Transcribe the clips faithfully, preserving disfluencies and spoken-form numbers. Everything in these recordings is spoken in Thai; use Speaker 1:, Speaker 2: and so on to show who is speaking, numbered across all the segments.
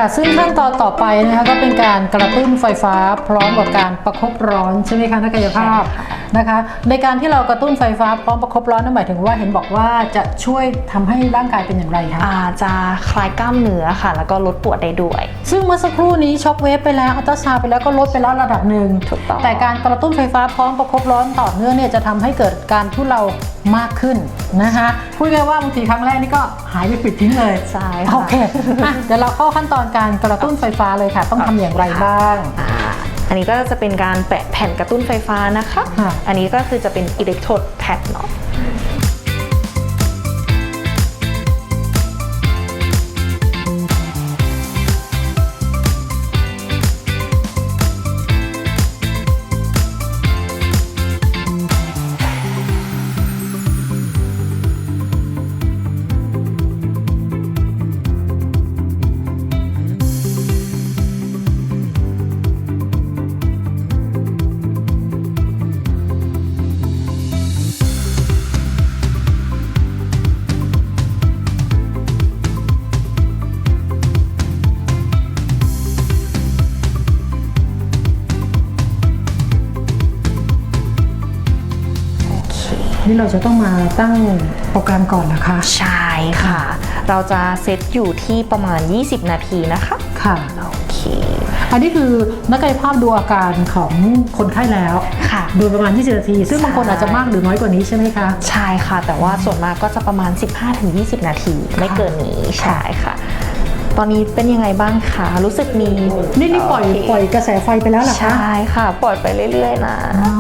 Speaker 1: ซึ่งขั้นตอนต่อไปนะคะก็เป็นการกระตุ้นไฟฟ้าพร้อมกับการประคบร้อนใช่ไหมคะนักกายภาพนะคะในการที่เรากระตุ้นไฟฟ้าพร้อมประคบร้อนนั่นหมายถึงว่าเห็นบอกว่าจะช่วยทำให้ร่างกายเป็นอย่างไรคะ
Speaker 2: อาจะคลายกล้ามเนื้อค่ะแล้วก็ลดปวดได้ด้วย
Speaker 1: ซึ่งเมื่อสักครู่นี้ช็อคเวฟไปแล้วอัลตราซาวด์ไปแล้วก็ลดไปแล้วระดับหนึ่ง
Speaker 2: ถูกต้อง
Speaker 1: แต่การกระตุ้นไฟฟ้าพร้อมประคบร้อนต่อเนื่องเนี่ยจะทำให้เกิดการทุเลามากขึ้นนะคะพูดง่ายว่าบางทีครั้งแรกนี่ก็หายไปปิดทิ้งเลย
Speaker 2: ใช่ค่ะ
Speaker 1: โอเคเดี๋ยวเราเข้าขั้นตอนการกระตุ้นไฟฟ้าเลยค่ะต้องทำอย่างไรบ้าง
Speaker 2: อันนี้ก็จะเป็นการแปะแผ่นกระตุ้นไฟฟ้านะคะอันนี้ก็คือจะเป็นอิเล็กโทรดแพดเนาะ
Speaker 1: นี่เราจะต้องมาตั้งโปรแกรมก่อนนะคะ
Speaker 2: ใช่ค่ะเราจะเซตอยู่ที่ประมาณยี่สิบนาทีนะคะ
Speaker 1: ค่ะ
Speaker 2: โอเค
Speaker 1: อันนี้คือนักกายภาพดูอาการของคนไข้แล้ว
Speaker 2: ค่ะ
Speaker 1: ดูประมาณยี่สิบนาทีซึ่งบางคนอาจจะมากหรือน้อยกว่านี้ใช่ไหมคะ
Speaker 2: ใช่ค่ะแต่ว่าส่วนมากก็จะประมาณ สิบห้าถึงยี่สิบ นาทีไม่เกินนี้ใช่ค่ะตอนนี้เป็นยังไงบ้างคะรู้สึกมี
Speaker 1: นี่นี่ปล่อยปล่อยกระแสไฟไปแล้วหรอคะ
Speaker 2: ใช่ค่ะปล่อยไปเรื่อยๆนะ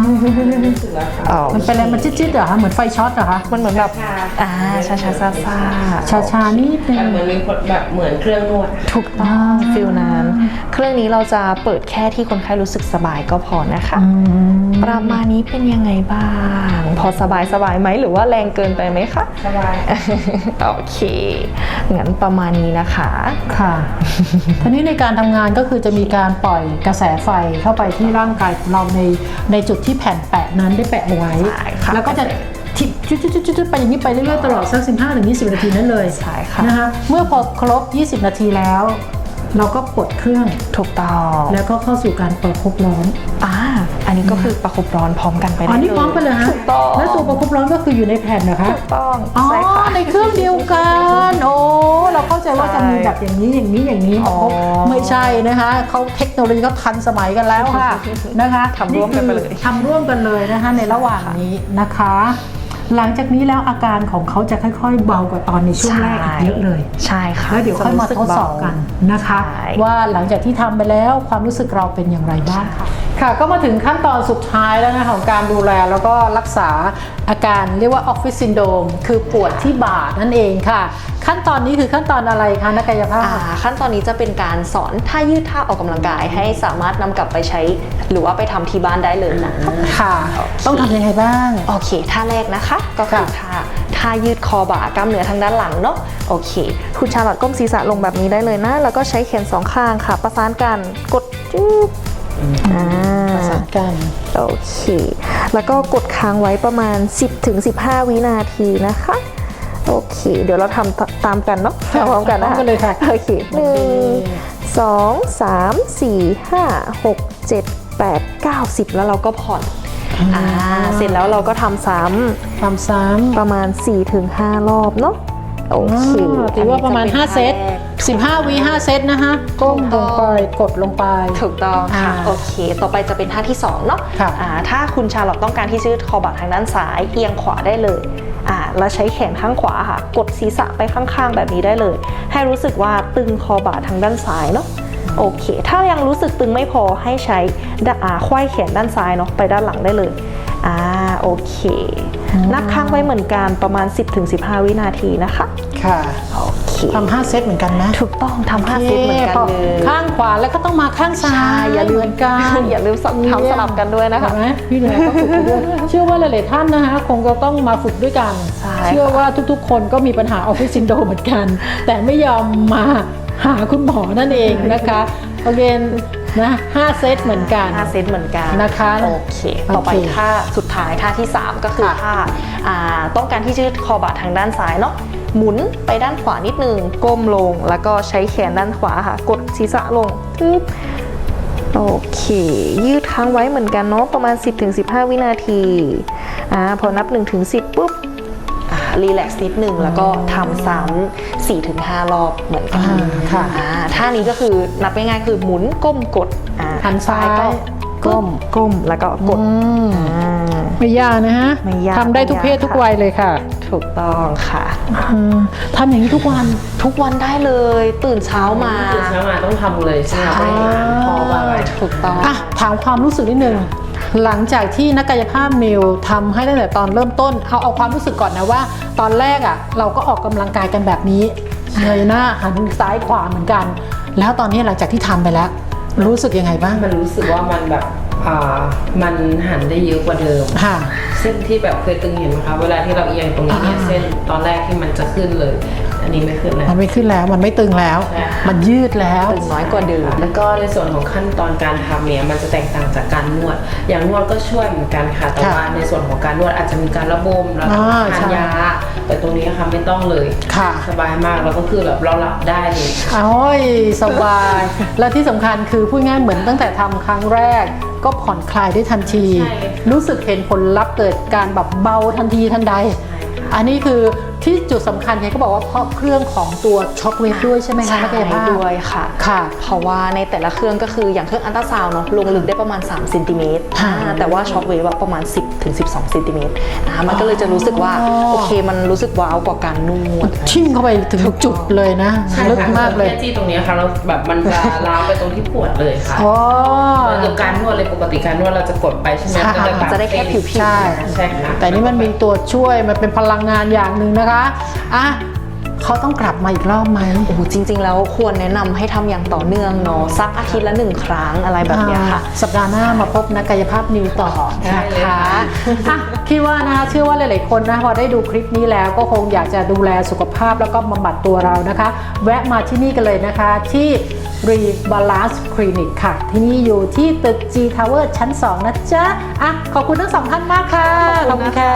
Speaker 1: มันเป็นอะไรมันจิ๊ดๆเหรอคะเหมือนไฟช็อตเหรอคะ
Speaker 2: มันเหมือนแบบอ่าชาชาซาซา
Speaker 1: ชาชานี่เป็น
Speaker 3: เหมือนมีคนแบบเหมือนเครื่องนวด
Speaker 2: ถูกต้องฟิลนั้นเครื่องนี้เราจะเปิดแค่ที่คนไข้รู้สึกสบายก็พอนะคะประมาณนี้เป็นยังไงบ้างพอสบายสบายไหมหรือว่าแรงเกินไปไหมคะ
Speaker 3: สบาย
Speaker 2: โอเคงั้นประมาณนี้นะคะ
Speaker 1: ค่ะทีนี้ในการทำงานก็คือจะมีการปล่อยกระแสไฟเข้าไปที่ร่างกายของเราในในจุดที่แผ่นแปะนั้นได้แปะเอาไว้แล้วก็จะทิปจุดๆๆๆไปอย่างนี้ไปเรื่อยๆตลอดสัก สิบห้าถึงยี่สิบ นาทีนั้นเลย
Speaker 2: ใช่ค่ะ
Speaker 1: นะคะเมื่อพอครบยี่สิบนาทีแล้วเราก็กดเครื่อง
Speaker 2: ถูกต้อง
Speaker 1: แล้วก็เข้าสู่การประคบร้อน
Speaker 2: อ่าอันนี้ก็คือประคบร้อนพร้อมกันไปได้
Speaker 1: เลยอ๋อนี่พร้อมกันเลยฮะ
Speaker 2: ถูกต้อง
Speaker 1: แล้วตัวประคบร้อนก็คืออยู่ในแผ่นนะคะ
Speaker 2: ถูกต้อง
Speaker 1: อ๋อในเครื่องเดียวกันโอ้เราเข้าใจว่าจะมีแบบอย่างนี้อย่างนี้อย่างนี้อ๋อไม่ใช่นะคะเขาเทคโนโลยีเขาทันสมัยกันแล้วค่ะนะคะ
Speaker 2: ทำร่วมกันไปเลย
Speaker 1: ทำร่วมกันเลยนะคะในระหว่างนี้นะคะหลังจากนี้แล้วอาการของเขาจะค่อยๆเบากว่าตอนในช่วงแรกอีกเยอะเลย
Speaker 2: ใช่ค่ะ
Speaker 1: แล้วเดี๋ยวค่อยมาทดสอบกันนะคะว่าหลังจากที่ทำไปแล้วความรู้สึกเราเป็นอย่างไรบ้างค่ะค่ะก็มาถึงขั้นตอนสุดท้ายแล้วนะคะของการดูแลแล้วก็รักษาอาการเรียกว่าออฟฟิศซินโดรมคือปวดที่บ่านั่นเองค่ะขั้นตอนนี้คือขั้นตอนอะไรคะนักกายภาพ
Speaker 2: ขั้นตอนนี้จะเป็นการสอนท่ายืดท่าออกกำลังกายให้สามารถนำกลับไปใช้หรือว่าไปทำที่บ้านได้เลยนะ
Speaker 1: ค่ะต้องทำยังไงบ้าง
Speaker 2: โอเคท่าแรกนะคะก็คือท่าท่ายืดคอบ่ากล้ามเนื้อทางด้านหลังเนาะโอเคคุณชาลอตก้มศีรษะลงแบบนี้ได้เลยนะแล้วก็ใช้แขนสองข้างค่ะประสานกันกดจุ๊บ
Speaker 1: ประสานกัน
Speaker 2: โอเคแล้วก็กดค้างไว้ประมาณ สิบถึงสิบห้า วินาทีนะคะโอเคเดี๋ยวเราทำตามกันเนาะพร้อมกันนะคะโอเคหนึ่งสองสามสี่ห้าหกเจ็ดแปดเก้าสิบแล้วเราก็ผ่อนอ่าเสร็จแล้วเราก็ทำซ้
Speaker 1: ำทำซ้ำ
Speaker 2: ประมาณ สี่ถึงห้า รอบเนาะโอเค
Speaker 1: ถือว่าประมาณห้าเซตสิบห้าวิห้าเซตนะคะก้มลงไปกดลงไป
Speaker 2: ถูกต้องค่ะโอเคต่อไปจะเป็นท่าที่สองเนาะอ่าถ้าคุณชาลอตต้องการที่จะยืดคอบ่าทางด้านซ้ายเอียงขวาได้เลยอ่าแล้วใช้แขนข้างขวาค่ะกดศีรษะไปข้างๆแบบนี้ได้เลยให้รู้สึกว่าตึงคอบ่าทางด้านซ้ายเนาะโอเคถ้ายังรู้สึกตึงไม่พอให้ใช้อ่าไขว้แขนด้านซ้ายเนาะไปด้านหลังได้เลยอ่าโอเคนับค้างไว้เหมือนกันประมาณ สิบถึงสิบห้า วินาทีนะคะ
Speaker 1: ค่ะโอเคทำห้าเซตเหมือนกันนะ
Speaker 2: ถูกต้องทำห้าเซตเหมือนกันเลย
Speaker 1: ข้างขวาแล้วก็ต้องมาข้างซ้าย
Speaker 2: อย่าลืม
Speaker 1: กัน
Speaker 2: อย่าลืมทำสลับกันด้วยนะคะ
Speaker 1: พี่เหนือก็ฝึกด้วยเชื่อว่าหลายๆท่านนะคะคงจะต้องมาฝึกด้วยกันเชื่อว่าทุกๆคนก็มีปัญหาออฟฟิศซินโดรมเหมือนกันแต่ไม่ยอมมาหาคุณหมอนั่นเองนะคะโอเคนะห้าเซตเหมือนกัน
Speaker 2: ห้าเซตเหมือนกัน
Speaker 1: นะคะ
Speaker 2: โอเคต่อไป
Speaker 1: โอเค
Speaker 2: ท่าสุดท้ายท่าที่สามก็คือ
Speaker 1: ค่ะ
Speaker 2: ท่าอ่าต้องการที่จะยืดคอบ่าทางด้านซ้ายเนาะหมุนไปด้านขวานิดนึงก้มลงแล้วก็ใช้แขนด้านขวาค่ะกดศีรษะลงทึบโอเคยืดค้างไว้เหมือนกันเนาะประมาณ สิบถึงสิบห้า วินาทีอ่าพอนับ หนึ่งถึงสิบ ปุ๊บรีแลกซ์นิดนึงแล้วก็ทำซ้ำ สี่ถึงห้า รอบเหมือนกัน
Speaker 1: อ่าค่ะ
Speaker 2: อ่าท่านี้ก็คือนับง่ายๆคือหมุนก้มกดอ่า
Speaker 1: หันซ้าย
Speaker 2: ก็ก้มก้มแล้วก็กด
Speaker 1: อืม
Speaker 2: อ่า
Speaker 1: ไม่ยากนะฮะ
Speaker 2: ไม่ยาก
Speaker 1: ทำได้ทุกเพศ
Speaker 2: ไม่ยาก
Speaker 1: ทุกวัยเลยค่ะ
Speaker 2: ถูกต้องค่ะ
Speaker 1: อืมทำอย่างนี้ทุกวัน
Speaker 2: ทุกวันได้เลย ตื่นเช้ามา
Speaker 3: ตื่นเช้ามาต้องทำเลยใช่ไหม
Speaker 2: ใช่
Speaker 3: ไม่อ่านพอบ้างไหม
Speaker 2: ถูกต้อง
Speaker 1: อ่ะถามความรู้สึกนิดนึงหลังจากที่นักกายภาพมิวทำให้ตั้งแต่ตอนเริ่มต้นเอาเอาความรู้สึกก่อนนะว่า ตอนแรกอ่ะเราก็ออกกำลังกายกันแบบนี้เงยหน้าหันซ้ายขวาเหมือนกัน แล้วตอนนี้หลังจากที่ทำไปแล้ว รู้สึกยังไงบ้าง
Speaker 3: มันรู้สึกว่ามันแบบอ่ามันหันได้เยอะกว่าเดิม
Speaker 1: ค่ะ
Speaker 3: เส้นที่แบบเคยตึงเห็นไหมคะเวลาที่เราเอียงตรงนี้เนี่ย
Speaker 1: อ่า
Speaker 3: เส้นตอนแรกที่มันจะขึ้นเลย อันนี้ไม่ขึ้นแล้ว
Speaker 1: มันไม่ขึ้นแล้วมันไม่ตึงแล้ว
Speaker 3: ใช่ค่ะ
Speaker 1: มันยืดแล้ว
Speaker 2: ตึงน้อยกว่าเดิม
Speaker 3: แล้วก็ในส่วนของขั้นตอนการทำเนี่ยมันจะแตกต่างจากการนวด อย่างนวดก็ช่วยเหมือนกันค่ะ แต่
Speaker 1: ค่ะ
Speaker 3: ว่าในส่วนของการนวดอาจจะมีการระบมแล้วก็
Speaker 1: อ่า
Speaker 3: ทาน
Speaker 1: ใช่
Speaker 3: ยา แต่ตรงนี้ค่ะไม่ต้องเลย
Speaker 1: ค่ะ
Speaker 3: สบายมากแล้วก็คือแบบเราหลับได้เลย
Speaker 1: โอ้ยสบาย และที่สำคัญคือพูดง่ายเหมือนตั้งแต่ทำครั้งแรก ก็ผ่อนคลายได้ทันที
Speaker 3: ใช่ค่ะ
Speaker 1: รู้สึกเห็นผลลัพธ์เกิดการแบบเบาทันทีทันใด อันนี้คือที่จุดสำคัญเนี่ยเขาบอกว่าเพราะเครื่องของตัวช็อคเวฟด้วยใช่ไหมคะนักกายภาพ
Speaker 2: ด้วยค่ะ
Speaker 1: ค่ะ
Speaker 2: เพราะว่าในแต่ละเครื่องก็คืออย่างเครื่องอัลตราซาวน์เนาะลงลึกได้ประมาณสามเซนติเมตร
Speaker 1: ค่ะ
Speaker 2: อ่าแต่ว่าช็อคเวฟอะประมาณ สิบถึงสิบสองเซนติเมตรอ่ามันก็เลยจะรู้สึกว่า
Speaker 1: อ๋อ
Speaker 2: โอเคมันรู้สึกว้าวกว่าการนวด
Speaker 1: ทิ่มเข้าไปถึงจุดเลยนะ
Speaker 3: ใช่
Speaker 1: ลึก
Speaker 3: ค่ะ
Speaker 1: มากเลย
Speaker 3: แค่ที่ตรงนี้ค่ะเราแบบมันจะล้าวไปตรงที่ปวดเลยค่ะ
Speaker 1: อ๋อ
Speaker 3: เหมือนกับการนวดเลยปกติการนวดเราจะกดไปใช่ไหม
Speaker 1: ใช่
Speaker 3: ก็ตั
Speaker 2: จะได้แค่ผิวๆ
Speaker 1: ใช่
Speaker 3: ใช่ค่ะ
Speaker 1: แต่นี่มันมีตัวช่วยมันเป็นพลังงานอย่างหนึ่งนะคะอ่ะเขาต้องกลับมาอีกรอบไหม
Speaker 2: โอ้โหจริง ๆ แล้วควรแนะนำให้ทำอย่างต่อเนื่องเนาะสักอาทิตย์ละหนึ่งครั้งอะไรแบบเนี้ยค่ะ
Speaker 1: อ่าสัปดาห์หน้ามาพบนักกายภาพนิวต่อ
Speaker 3: ได้
Speaker 1: นะ
Speaker 3: เลย
Speaker 1: คะ
Speaker 3: ค่ะ
Speaker 1: อ่ะคิดว่านะคะเชื่อว่าหลาย ๆ คนนะพอได้ดูคลิปนี้แล้วก็คงอยากจะดูแลสุขภาพแล้วก็บำบัดตัวเรานะคะ แวะมาที่นี่กันเลยนะคะที่ Rebalance Clinic ค่ะ ที่นี่อยู่ที่ตึก G Tower ชั้น สอง นะจ๊ะอ่ะขอบคุณทั้งสองท่านมากค่ะ
Speaker 2: ขอบคุณค่ะ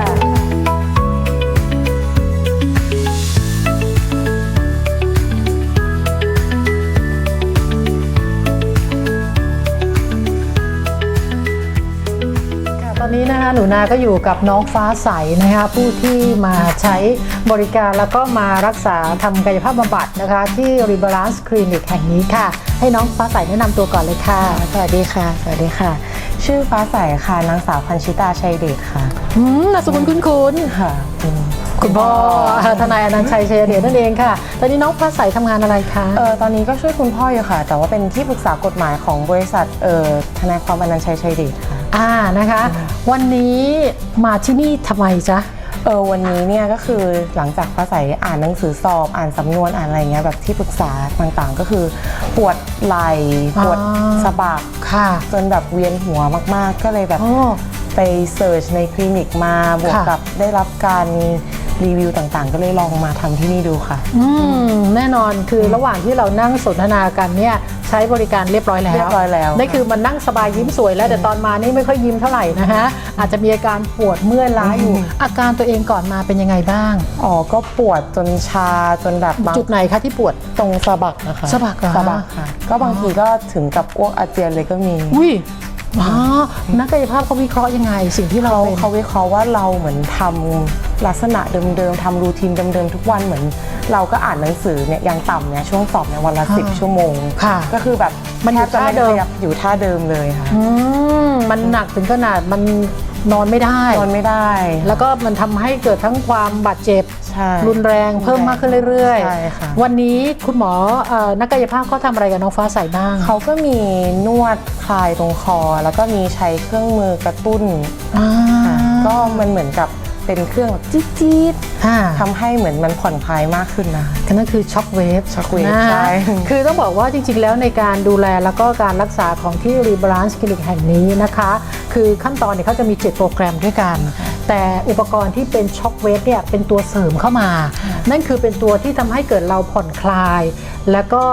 Speaker 1: ตอนนี้นะคะหนูนาก็อยู่กับน้องฟ้าใสนะคะผู้ที่มาใช้บริการแล้วก็มารักษาทำกายภาพบำบัดนะคะที่ Rebalance Clinic แห่งนี้ค่ะ ให้น้องฟ้าใสแนะนำตัวก่อนเลยค่ะ
Speaker 4: สวัสดีค่ะ สวัสดีค่ะ ชื่อฟ้าใสค่ะ นางสาวพันชิตาชัยเดชค่ะ
Speaker 1: อืมนามสกุลคุ้น
Speaker 4: ค่ะอืม
Speaker 1: ๆคุณพ่อทนายอนันต์ชัยชัยเดชนั่นเองค่ะ ตอนนี้น้องฟ้าใสทำงานอะไรคะ
Speaker 4: เออตอนนี้ก็ช่วยคุณพ่ออยู่ค่ะ แต่ว่าเป็นที่ปรึกษากฎหมายของบริษัทเอ่อทนายความอนันต์ชัยชัยเดชค่ะ
Speaker 1: อ่านะคะ วันนี้มาที่นี่ทำไมจ๊ะ
Speaker 4: เออวันนี้เนี่ยก็คือหลังจากฟ้าใสอ่านหนังสือสอบอ่านสำนวนอ่านอะไรเงี้ยแบบที่ปรึกษาต่างๆ ก็คือปวดไหล่ปวด
Speaker 1: อ๋อ
Speaker 4: สะบัก
Speaker 1: ค่ะ
Speaker 4: จนแบบเวียนหัวมากๆ ก็เลยแบบ
Speaker 1: โอ้
Speaker 4: ไปเสิร์ชในคลินิกมาบวก
Speaker 1: ค่ะ
Speaker 4: กับได้รับการรีวิวต่างๆ ก็เลยลองมาทำที่นี่ดูค่ะ
Speaker 1: อืมแน่นอนคือระหว่างที่เรานั่งสนทนากันเนี่ยใช้บริการเรียบร้อยแล้ว
Speaker 4: เรียบร้อยแล้ว
Speaker 1: นี่คือมันนั่งสบายยิ้มสวยแล้วแต่ตอนมานี่ไม่ค่อยยิ้มเท่าไหร่นะฮะอาจจะมีอาการปวดเมื่อยล้าอยู่ อาการตัวเองก่อนมาเป็นยังไงบ้าง
Speaker 4: อ๋อ ก็ปวดจนชาจนแบบบาง
Speaker 1: จุดไหนคะที่ปวด
Speaker 4: ตรงสะบักนะคะ
Speaker 1: สะบักเหรอ
Speaker 4: สะบักค่ะ ก็บางทีก็ถึงกับอ้วกอาเจียนเลยก็มี
Speaker 1: อุ้ยอ๋อนักกายภาพเขาวิเคราะห์ยังไง สิ่งที่เรา
Speaker 4: เขา
Speaker 1: เป็น
Speaker 4: เขาวิเคราะห์ว่าเราเหมือนทำลักษณะเดิมๆทำรูทีนเดิมๆทุกวันเหมือน เราก็อ่านหนังสือเนี่ยยังต่ำเนี่ยช่วงสอบเนี่ยวันละ
Speaker 1: ค่ะ
Speaker 4: สิบชั่วโมง
Speaker 1: ค่ะ
Speaker 4: ก็คือแบบ
Speaker 1: มันอยู่
Speaker 4: แทบจะ
Speaker 1: ท่า
Speaker 4: ไม่
Speaker 1: เดิม
Speaker 4: ขยับอยู่ท่าเดิมเลยค่ะ
Speaker 1: อืมมันหนักถึงขนาดมันนอนไม่ได้
Speaker 4: นอนไม่ได้
Speaker 1: แล้วก็มันทำให้เกิดทั้งความบาดเจ็บ
Speaker 4: ใช่
Speaker 1: รุนแรงเพิ่มมากขึ้นเรื่อย
Speaker 4: ใช่ค่ะ
Speaker 1: วันนี้คุณหมอเอ่อนักกายภาพเขาทำอะไรกับน้องฟ้าใสบ้าง
Speaker 4: เขาก็มีนวดคลายตรงคอ แล้วก็มีใช้เครื่องมือกระตุ้น
Speaker 1: อ่า
Speaker 4: ค่ะก็มันเหมือนกับเป็นเครื่องแบบจี๊ด
Speaker 1: อ่า
Speaker 4: ๆทำให้เหมือนมันผ่อนคลายมากขึ้นนะคะ
Speaker 1: ก็นั่นคือช็อคเวฟ
Speaker 4: Shockwave
Speaker 1: นะ
Speaker 4: ใช่
Speaker 1: คือต้องบอกว่าจริงๆแล้วในการดูแลแล้วก็การรักษาของที่ Rebalance Clinic แห่งนี้นะคะ คือขั้นตอนเนี่ยเขาจะมีเจ็ดโปรแกรมด้วยกัน แต่อุปกรณ์ที่เป็นช็อคเวฟเนี่ยเป็นตัวเสริมเข้ามา นั่นคือเป็นตัวที่ทำให้เกิดเราผ่อนคลาย แล้วก็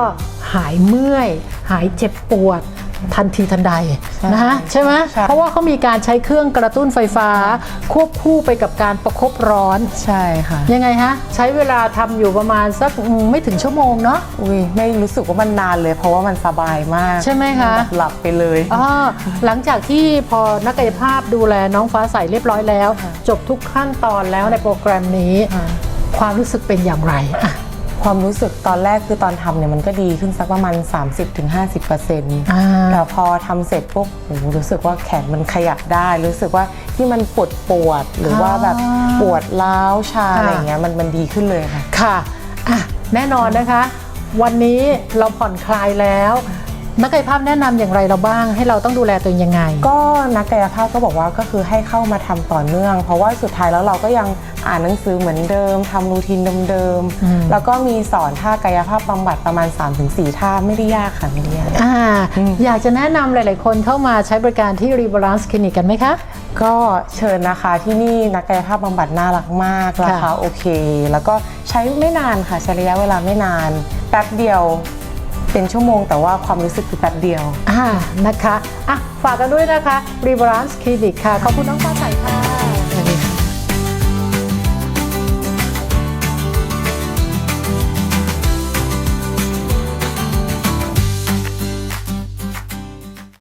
Speaker 1: หายเมื่อย หายเจ็บปวดทันทีทันใดนะฮะใช่ไหม
Speaker 4: ใช่
Speaker 1: เพราะว่าเขามีการใช้เครื่องกระตุ้นไฟฟ้า ควบคู่ไปกับการประคบร้อน
Speaker 4: ใช่ค่ะ
Speaker 1: ยังไงฮะใช้เวลาทำอยู่ประมาณสักอืมไม่ถึงชั่วโมงเนาะ
Speaker 4: อุ้ยไม่รู้สึกว่ามันนานเลย เพราะว่ามันสบายมาก
Speaker 1: ใช่ไหมคะ
Speaker 4: แบบหลับไปเลย
Speaker 1: อ๋อหลังจากที่พอนักกายภาพดูแลน้องฟ้าใสเรียบร้อยแล้ว จบทุกขั้นตอนแล้วในโปรแกรมนี้
Speaker 4: ค่ะ
Speaker 1: ความรู้สึกเป็นอย่างไรอ่ะ
Speaker 4: ความรู้สึกตอนแรกคือตอนทำเนี่ยมันก็ดีขึ้นสักประมาณ สามสิบถึงห้าสิบเปอร์เซ็นต์
Speaker 1: อ่า
Speaker 4: แต่พอทำเสร็จปุ๊บโอ้โหรู้สึกว่าแขนมันขยับได้ รู้สึกว่าที่มันปวดปวดหรือว่าแบบปวดร้าวชาอะไรอย่างเงี้ยมันมันดีขึ้นเลยค่ะ
Speaker 1: ค่ะอ่ะ แน่นอนนะคะ วันนี้เราผ่อนคลายแล้ว นักกายภาพแนะนำอย่างไรเราบ้าง ให้เราต้องดูแลตัวเองยังไง
Speaker 4: ก็นักกายภาพก็บอกว่าก็คือให้เข้ามาทำต่อเนื่อง เพราะว่าสุดท้ายแล้วเราก็ยังอ่านหนังสือเหมือนเดิมทำรูทีนเดิม
Speaker 1: อืม
Speaker 4: ๆแล้วก็มีสอนท่ากายภาพบำบัดประมาณ สามถึงสี่ ท่าไม่ได้ยากค่ะไม่ได้ยาก
Speaker 1: อ่าอยากจะแนะนำหลาย ๆ คนเข้ามาใช้บริการที่ Rebalance Clinic กันไหมคะ
Speaker 4: ก็เชิญนะคะที่นี่นักกายภาพบำบัดน่ารักมากราคาโอเค แล้วก็ใช้ไม่นานค่ะใช้ระยะเวลาไม่นานแป๊บเดียวเป็นชั่วโมงแต่ว่าความรู้สึกคือแป๊บเดียว
Speaker 1: อ่านะคะอ่ะฝากกันด้วยนะคะ Rebalance Clinic ค่ะ ขอบคุณน้องฟ้าใสค่ะ